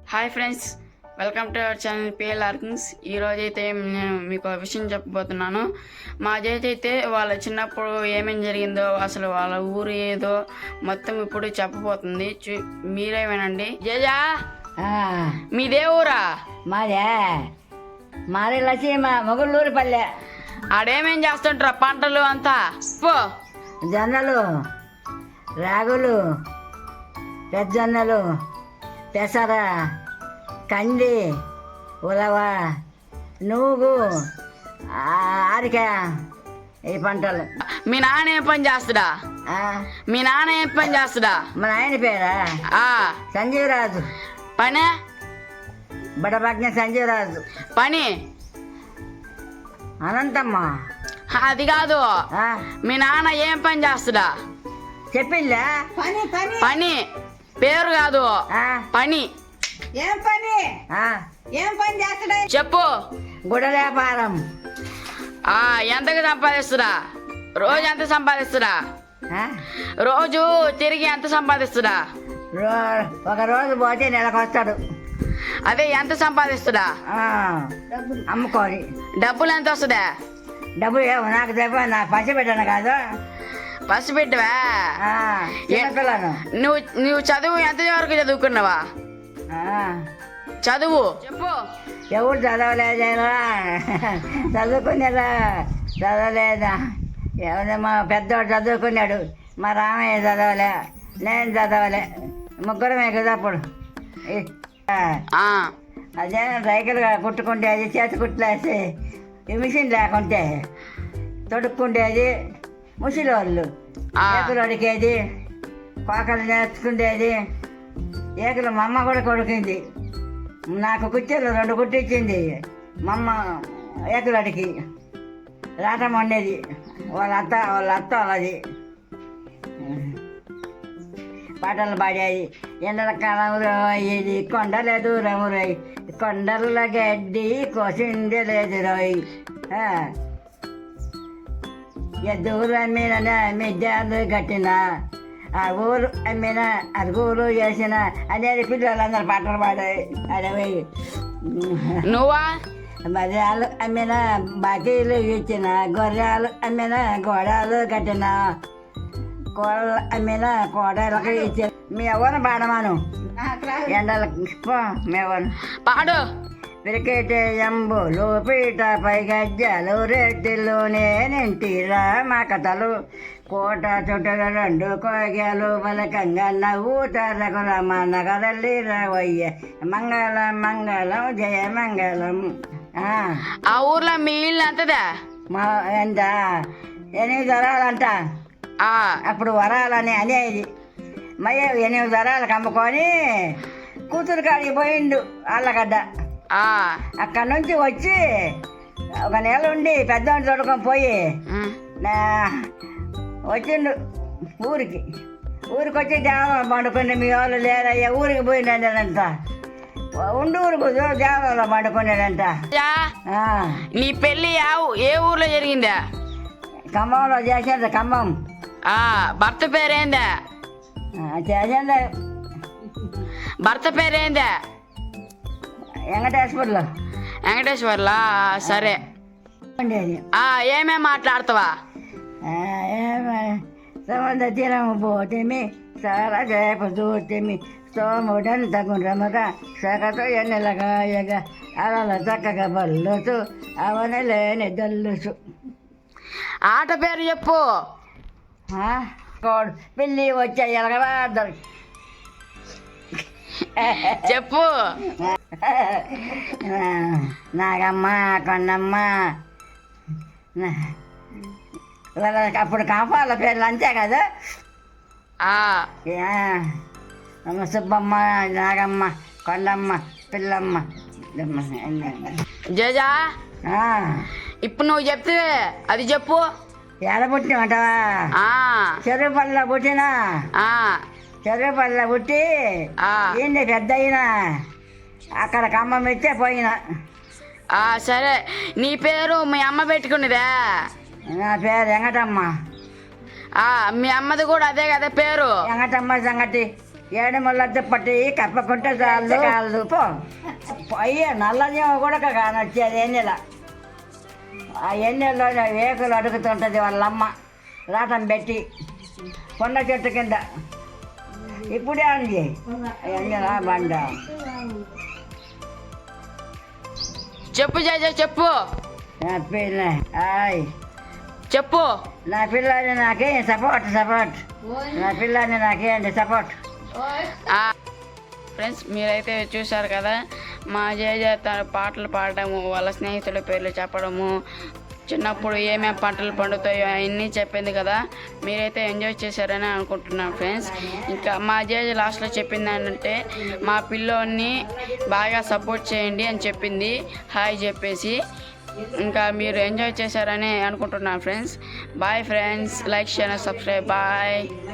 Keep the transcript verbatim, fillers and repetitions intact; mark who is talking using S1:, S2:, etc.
S1: Hi friends, welcome to our channel PL ఆర్కింగ్స్. ఈరోజు అయితే నేను మీకు ఒక విషయం చెప్పబోతున్నాను. మా జేజ అయితే వాళ్ళ చిన్నప్పుడు ఏమేమి జరిగిందో, అసలు వాళ్ళ ఊరు ఏదో మొత్తం ఇప్పుడు చెప్పబోతుంది. చూ మీరే వినండి. జేజా, మీదే ఊరా?
S2: మాదే మాది లసీమ మొగుళ్ళూరు పల్లె.
S1: ఆడేమేం చేస్తుంటారా పంటలు అంతా? పో.
S2: జొన్నలు, రాగులు, పెద్దజొన్నలు, పెసర, కంది, ఉలవ, నూగు, ఆరిక, ఈ పంటలు.
S1: మీ నాన్న ఏం పని చేస్తుడా? మీ నాన్న ఏం పని చేస్తుడా?
S2: మా నాయన పేరా సంజీవరాజు.
S1: పనే
S2: బడభగ్న సంజీవరాజు.
S1: పని
S2: అనంతమ్మ.
S1: అది కాదు, మీ నాన్న ఏం పని చేస్తుడా?
S2: చెప్పిందా?
S1: పని పేరు కాదు, పని.
S2: ఏం పని? ఏం పని చేస్తాడా?
S1: చెప్పు.
S2: గుడ వ్యాపారం.
S1: ఆ ఎంతకు సంపాదిస్తురా? రోజు ఎంత సంపాదిస్తురా? రోజు తిరిగి ఎంత సంపాదిస్తురా?
S2: ఒక రోజు పోతే నెలకు వస్తాడు.
S1: అదే ఎంత సంపాదిస్తుడా?
S2: అమ్ముకోని.
S1: డబ్బులు ఎంత వస్తుందా?
S2: డబ్బులు ఏమో నాకు చెప్ప, నాకు పసి పెట్టాను కాదు.
S1: పసి పెట్టవా?
S2: పిల్లను.
S1: నువ్వు నువ్వు చదువు ఎంత వరకు చదువుకున్నావా? చదువు చెప్పు.
S2: ఎవరు చదవలేదేనా? చదువుకునేదా? చదవలేదా? ఎవరు మా పెద్దవాడు చదువుకున్నాడు, మా రామయ్య చదవలే, నేను చదవలే, ముగ్గురమే కదా అప్పుడు. అదే సైకిల్ కుట్టుకుంటేది, చేతి కుట్లేసి మిషన్ లేకుంటే తొడుక్కుండేది, ముసలి వాళ్ళు ఏకులు అడిగేది, కోకలు నేర్చుకుండేది. ఏకులు మా అమ్మ కూడా కొడుకుంది. నాకు కుర్చీలు రెండు కుట్టించింది మా అమ్మ ఏకులు అడిగి. రాటం వండేది వాళ్ళ అత్త వాళ్ళ అత్త వాళ్ళది. పాటలు పాడేది. ఎండల కాలం రోయి కొండలే దూరం రోయ్, కొండల గడ్డి కోసిందే లేదు రోయ్. ఎద్దూరు అమ్మిన మిద్యాలు కట్టిన, ఆ ఊరు అమ్మిన అరుగురు చేసిన అనేది పిల్లలందరూ పాటలు పాడాయి. అదే
S1: నువ్వా?
S2: మర్యాలు అమ్మిన బాకీలు ఇచ్చిన, గొర్రెలు అమ్మిన గోడలు కట్టిన, కోడలు అమ్మిన కోడలకు ఇచ్చిన. మీ ఎవరు పాడమాను ఎండలకు మేవను
S1: పాడు.
S2: క్రికెట్ ఎంబులు పీట పై గజ్జలు రెడ్డిలు నేనింటిరా మా కథలు, కోట చుట్టలు రెండు కోగలు పలకంగా నవ్వుతారకు రమనగరల్లి రావయ్య, మంగళం మంగళం జయ మంగళం.
S1: ఆ ఊర్లో మీ ఇల్లు ఎంతదా?
S2: మా ఎంత ఎనిమిది వరాలంట. అప్పుడు వరాలని అనేది మయ్య ఎనిమిది వరాలకు అమ్ముకొని కూతురు కాడికి పోయిండు ఆళ్ళగడ్డ. అక్కడ నుంచి వచ్చి ఒక నెల ఉండి పెద్దవాడిని తోడుకొని పోయి వచ్చిండు ఊరికి. ఊరికి వచ్చి దేవాలయం పండుకుని, మీ వాళ్ళు లేరయ్యా ఊరికి పోయిండంట. ఉండి ఊరికి దేవాలయంలో పండుకున్నాడంట.
S1: నీ పెళ్ళి ఏ ఊర్లో జరిగిందా?
S2: ఖమ్మంలో చేసింది. ఖమ్మం.
S1: భర్త పేరేందా?
S2: చేసింది.
S1: భర్త పేరేందా?
S2: వెంకటేశ్వర్లో.
S1: వెంకటేశ్వర్లా? సరే. ఏమేమి మాట్లాడతావా?
S2: సముద్ర తీరము పోతేమి, సారా చేప చూతేమి, సోముడని తగురముగా సగతో ఎన్నెలగాయగా అలల చక్కగా బల్లుసు అవని లేని దల్లుసు.
S1: ఆట పేరు చెప్పు.
S2: కోడు పిల్లి వచ్చే ఎలగరాదు
S1: చెప్పు.
S2: నాగమ్మ, కొండమ్మ, అప్పుడు కాపాల పేర్లు అంతే కదా. సుబ్బమ్మ, నాగమ్మ, కొండమ్మ, పిల్లమ్మ.
S1: జేజా, ఇప్పుడు నువ్వు చెప్తే అది చెప్పు.
S2: ఎడ పుట్టినమంటావా? చెరువుపల్లిలో పుట్టినా. చెరువుపల్లిలో పుట్టి ఏంటి పెద్ద అయినా అక్కడ ఖమ్మం ఇచ్చే పోయినా.
S1: సరే, నీ పేరు మీ అమ్మ పెట్టుకున్నదా?
S2: నా పేరు వెంకటమ్మ.
S1: మీ అమ్మది కూడా అదే కదా పేరు?
S2: వెంకటమ్మ సంగటి. ఏడమల్లతో పట్టి కప్పకుంటే చాలు కాదు పో అయ్యే నల్లజీవ కూడా కానొచ్చేది ఎన్నెల ఆ ఎన్నెల్లో వేకులు అడుగుతుంటుంది వాళ్ళమ్మ రాటం పెట్టి కొండ చెట్టు కింద ఇప్పుడే అంది ఎన్నెలా బండ
S1: చెప్పు జేజ చెప్పు
S2: నా పిల్ల ఆయ్
S1: చెప్పు
S2: నా పిల్లని నాకే సపోర్ట్ సపోర్ట్ నా పిల్లని నాకేంటి సపోర్ట్
S1: ఫ్రెండ్స్ మీరైతే చూశారు కదా మా జేజ తన పాటలు పాడడము వాళ్ళ స్నేహితుల పేర్లు చెప్పడము చిన్నప్పుడు ఏమేమి పంటలు పండుతాయో అవన్నీ చెప్పింది కదా మీరైతే ఎంజాయ్ చేశారని అనుకుంటున్నాను ఫ్రెండ్స్. ఇంకా మా జేజ లాస్ట్లో చెప్పింది ఏంటంటే మా పిల్లోని బాగా సపోర్ట్ చేయండి అని చెప్పింది హాయ్ చెప్పేసి. ఇంకా మీరు ఎంజాయ్ చేశారని అనుకుంటున్నాను friends. Bye friends, like share subscribe bye.